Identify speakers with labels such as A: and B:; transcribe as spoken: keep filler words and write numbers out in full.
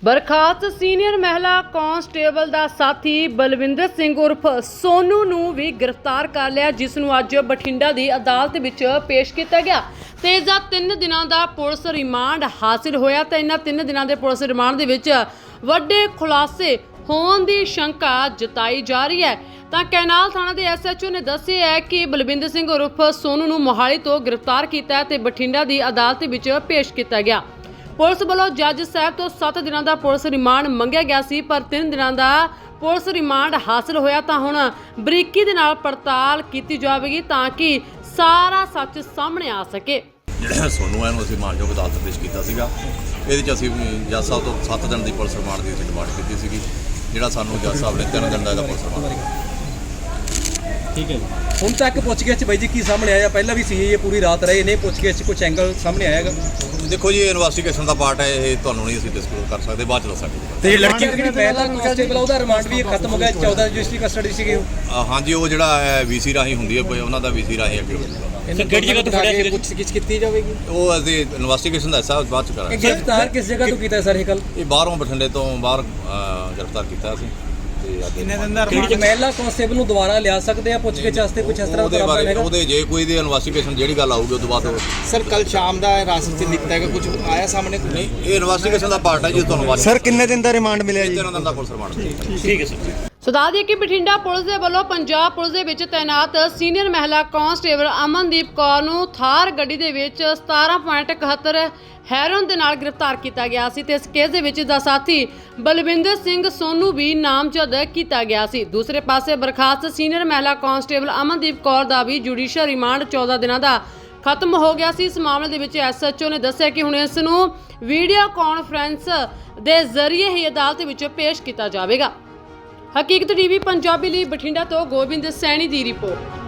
A: ਬਰਖਾਸਤ senior ਮਹਿਲਾ constable ਦਾ ਸਾਥੀ ਬਲਵਿੰਦਰ ਸਿੰਘ ਉਰਫ ਸੋਨੂ ਨੂੰ ਵੀ ਗ੍ਰਿਫਤਾਰ ਕਰ ਲਿਆ, ਜਿਸ ਨੂੰ ਅੱਜ ਬਠਿੰਡਾ ਦੀ ਅਦਾਲਤ ਵਿੱਚ ਪੇਸ਼ ਕੀਤਾ ਗਿਆ ਤੇ ਇਸ ਦਾ ਤਿੰਨ ਦਿਨਾਂ ਦਾ ਪੁਲਿਸ ਰਿਮਾਂਡ ਹਾਸਿਲ ਹੋਇਆ। ਤੇ ਇਹਨਾਂ ਤਿੰਨ ਦਿਨਾਂ ਦੇ ਪੁਲਿਸ ਰਿਮਾਂਡ ਦੇ ਵਿੱਚ ਵੱਡੇ ਖੁਲਾਸੇ ਹੋਣ ਦੀ ਸ਼ੰਕਾ ਜਤਾਈ ਜਾ ਰਹੀ ਹੈ। ਤਾਂ ਕੈਨਾਲ ਥਾਣਾ ਦੇ ਐਸ ਐਚ ਓ ਨੇ ਦੱਸਿਆ ਹੈ ਕਿ ਬਲਵਿੰਦਰ ਸਿੰਘ ਉਰਫ ਸੋਨੂ ਨੂੰ ਮੋਹਾਲੀ ਤੋਂ ਗ੍ਰਿਫਤਾਰ ਕੀਤਾ ਤੇ ਬਠਿੰਡਾ ਦੀ ਅਦਾਲਤ ਵਿੱਚ ਪੇਸ਼ ਕੀਤਾ ਗਿਆ। ਪੁਲਿਸ ਵੱਲੋਂ ਜੱਜ ਸਾਹਿਬ ਤੋਂ ਸੱਤ ਦਿਨਾਂ ਦਾ ਪੁਲਿਸ ਰਿਮਾਂਡ ਮੰਗਿਆ ਗਿਆ ਸੀ, ਪਰ ਤਿੰਨ ਦਿਨਾਂ ਦਾ ਪੁਲਿਸ ਰਿਮਾਂਡ ਹਾਸਲ ਹੋਇਆ। ਤਾਂ ਹੁਣ ਬਰੀਕੀ ਦੇ ਨਾਲ ਪੜਤਾਲ ਕੀਤੀ ਜਾਵੇਗੀ ਤਾਂ ਕਿ ਸਾਰਾ ਸੱਚ ਸਾਹਮਣੇ ਆ ਸਕੇ।
B: ਜਿਹੜਾ ਸੋਨੂ ਹੈ ਨੂੰ ਅਸੀਂ ਮਾਨਯੋਗ ਅਦਾਲਤ ਪੇਸ਼ ਕੀਤਾ ਸੀਗਾ। ਇਹਦੇ 'ਚ ਅਸੀਂ ਜੱਜ ਸਾਹਿਬ ਤੋਂ ਸੱਤ ਦਿਨ ਦੀ ਪੁਲਿਸ ਰਿਮਾਂਡ ਦੀ ਅਸੀਂ ਡਿਮਾਂਡ ਕੀਤੀ ਸੀਗੀ, ਜਿਹੜਾ ਸਾਨੂੰ ਜੱਜ ਸਾਹਿਬ ਨੇ ਤਿੰਨ ਦਿਨ ਦਾ ਇਹਦਾ ਪੁਲਿਸ ਰਿਮਾਂਡ ਦਿੱਤਾ।
C: ਠੀਕ ਹੈ ਜੀ, ਹੁਣ ਤੱਕ ਪੁੱਛਗਿੱਛ 'ਚ ਬਾਈ ਜੀ ਕੀ ਸਾਹਮਣੇ ਆਇਆ? ਪਹਿਲਾਂ ਵੀ ਸੀ ਇਹ ਪੂਰੀ ਰਾਤ ਰਹੇ ਨੇ, ਪੁੱਛਗਿੱਛ 'ਚ ਕੁਝ ਐਂਗਲ ਸਾਹਮਣੇ ਆਏਗਾ?
B: ਦੇਖੋ ਜੀ, ਇਹ ਇਨਵੈਸਟੀਗੇਸ਼ਨ ਦਾ ਪਾਰਟ ਹੈ, ਇਹ ਤੁਹਾਨੂੰ ਨਹੀਂ ਅਸੀਂ ਡਿਸਕਲੋਜ਼ ਕਰ ਸਕਦੇ, ਬਾਅਦ 'ਚ ਦੱਸਾਂਗੇ।
C: ਤੇ ਲੜਕੀ ਜਿਹੜੀ ਪਹਿਲਾ ਕਾਂਸਟੇਬਲ ਉਹਦਾ ਰਿਮਾਂਡ ਵੀ ਖਤਮ ਹੋ ਗਿਆ, ਚੌਦਾਂ ਰਜਿਸਟਰੀ ਕਸਟਡੀ ਸੀਗੇ ਉਹ।
B: ਹਾਂਜੀ, ਉਹ ਜਿਹੜਾ ਹੈ ਵੀਸੀ ਰਾਹੀਂ ਹੁੰਦੀ ਹੈ, ਉਹਨਾਂ ਦਾ ਵੀਸੀ ਰਾਹੀਂ ਅੱਗੇ ਹੋਊਗਾ।
C: ਸਰ ਕਿਹੜੀ ਜਗ੍ਹਾ ਤੋਂ ਫੜਿਆ ਸੀ? ਪੁੱਛਗਿੱਛ ਕੀਤੀ ਜਾਵੇਗੀ?
B: ਉਹ ਅਸੀਂ ਇਨਵੈਸਟੀਗੇਸ਼ਨ ਦਾ ਹਿੱਸਾ ਬਾਅਦ 'ਚ ਕਰਾਂਗੇ।
C: ਗ੍ਰਿਫਤਾਰ ਕਿਸ ਜਗ੍ਹਾ ਤੋਂ ਕੀਤਾ ਸਰ ਇਹ ਕੱਲ?
B: ਇਹ ਬਾਹਰੋਂ ਬਠਿੰਡੇ ਤੋਂ ਬਾਹਰ ਗ੍ਰਿਫਤਾਰ ਕੀਤਾ ਅਸੀਂ।
C: ਕਿੰਨੇ ਦਿਨ ਦਾ ਰਿਮਾਂਡ? ਮਹਿਲਾ ਕਾਂਸਟੇਬਲ ਨੂੰ ਦੁਬਾਰਾ ਲਿਆ ਸਕਦੇ ਆ ਪੁੱਛਗਿੱਛ ਵਾਸਤੇ? ਕੁਝ ਇਸ ਤਰ੍ਹਾਂ ਦਾ
B: ਬਾਰੇ ਉਹਦੇ ਜੇ ਕੋਈ ਦੀ ਇਨਵੈਸਟੀਗੇਸ਼ਨ ਜਿਹੜੀ ਗੱਲ ਆਊਗੀ ਉਸ ਤੋਂ ਬਾਅਦ।
D: ਸਰ ਕੱਲ ਸ਼ਾਮ ਦਾ ਰਾਸਤੇ 'ਚ ਨਿਕਲਦਾ ਹੈਗਾ, ਕੁਝ ਆਇਆ ਸਾਹਮਣੇ?
B: ਨਹੀਂ, ਇਹ ਇਨਵੈਸਟੀਗੇਸ਼ਨ ਦਾ ਪਾਰਟ ਹੈ ਜੀ, ਤੁਹਾਨੂੰ
E: ਸਰ ਕਿੰਨੇ ਦਿਨ ਦਾ ਰਿਮਾਂਡ ਮਿਲਿਆ ਜੀ?
B: ਤਿੰਨ ਦਿਨ ਦਾ ਪੁਲਿਸ ਰਿਮਾਂਡ।
C: ਠੀਕ ਹੈ ਸਰ।
A: ਸੋ ਦੱਸ ਦਈਏ ਕਿ ਬਠਿੰਡਾ ਪੁਲਿਸ ਦੇ ਵੱਲੋਂ ਪੰਜਾਬ ਪੁਲਿਸ ਦੇ ਵਿੱਚ ਤੈਨਾਤ ਸੀਨੀਅਰ ਮਹਿਲਾ ਕਾਂਸਟੇਬਲ ਅਮਨਦੀਪ ਕੌਰ ਨੂੰ ਥਾਰ ਗੱਡੀ ਦੇ ਵਿੱਚ ਸਤਾਰਾਂ ਪੁਆਇੰਟ ਇਕਹੱਤਰ ਹੈਰੋਨ ਦੇ ਨਾਲ ਗ੍ਰਿਫਤਾਰ ਕੀਤਾ ਗਿਆ ਸੀ ਤੇ ਇਸ ਕੇਸ ਦੇ ਵਿੱਚ ਦਾ ਸਾਥੀ ਬਲਵਿੰਦਰ ਸਿੰਘ ਸੋਨੂ ਵੀ ਨਾਮਜ਼ਦ ਕੀਤਾ ਗਿਆ ਸੀ। ਦੂਸਰੇ ਪਾਸੇ ਬਰਖਾਸਤ ਸੀਨੀਅਰ ਮਹਿਲਾ ਕਾਂਸਟੇਬਲ ਅਮਨਦੀਪ ਕੌਰ ਦਾ ਵੀ ਜੁਡੀਸ਼ੀਅਲ ਰਿਮਾਂਡ ਚੌਦਾਂ ਦਿਨਾਂ ਦਾ ਖਤਮ ਹੋ ਗਿਆ ਸੀ। ਇਸ ਮਾਮਲੇ ਦੇ ਵਿੱਚ ਐਸ ਐਚ ਓ ਨੇ ਦੱਸਿਆ ਕਿ ਹੁਣ ਇਸ ਨੂੰ ਵੀਡੀਓ ਕਾਨਫਰੰਸ ਦੇ ਜ਼ਰੀਏ ਹੀ ਅਦਾਲਤ ਵਿੱਚ ਪੇਸ਼ ਕੀਤਾ ਜਾਵੇਗਾ। ਹਕੀਕਤ ਟੀਵੀ ਪੰਜਾਬੀ ਲਈ ਬਠਿੰਡਾ ਤੋਂ ਗੋਬਿੰਦ ਸੈਣੀ ਦੀ ਰਿਪੋਰਟ।